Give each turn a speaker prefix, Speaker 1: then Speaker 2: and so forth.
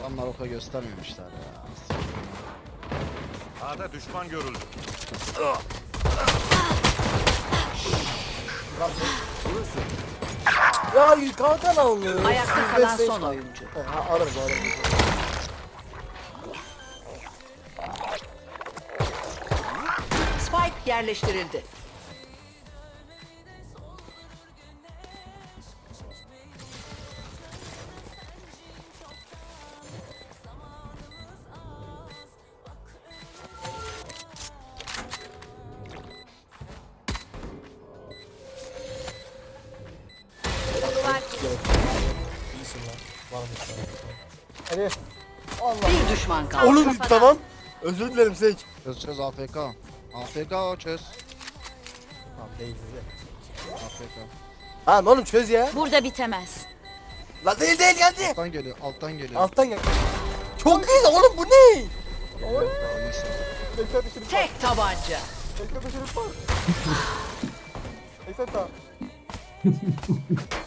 Speaker 1: Adamlar oka göstermemişler ya.
Speaker 2: A'da düşman görüldü.
Speaker 3: Ya kalkan alıyor.
Speaker 4: Ayakta kalan son oyuncu.
Speaker 3: Ha, alırız.
Speaker 4: Spike yerleştirildi.
Speaker 3: İyisin lan. Varmış lan. Hadi. Allah.
Speaker 4: Bir düşman kaldı.
Speaker 3: Oğlum tamam. Özür dilerim Seyç.
Speaker 1: Çöz AFK. AFK o çöz.
Speaker 3: Tamam değil de.
Speaker 1: AFK.
Speaker 3: Ha oğlum çöz ya.
Speaker 5: Burada bitemez.
Speaker 3: La değil geldi.
Speaker 1: Alttan geliyor, alttan geliyor.
Speaker 3: Alttan gel. Çok iyi oğlum bu ne?
Speaker 1: Oy. Neyse.
Speaker 3: Bekle şerif var.
Speaker 4: Tek tabanca.
Speaker 3: Bekle şerif var. Eksen tamam.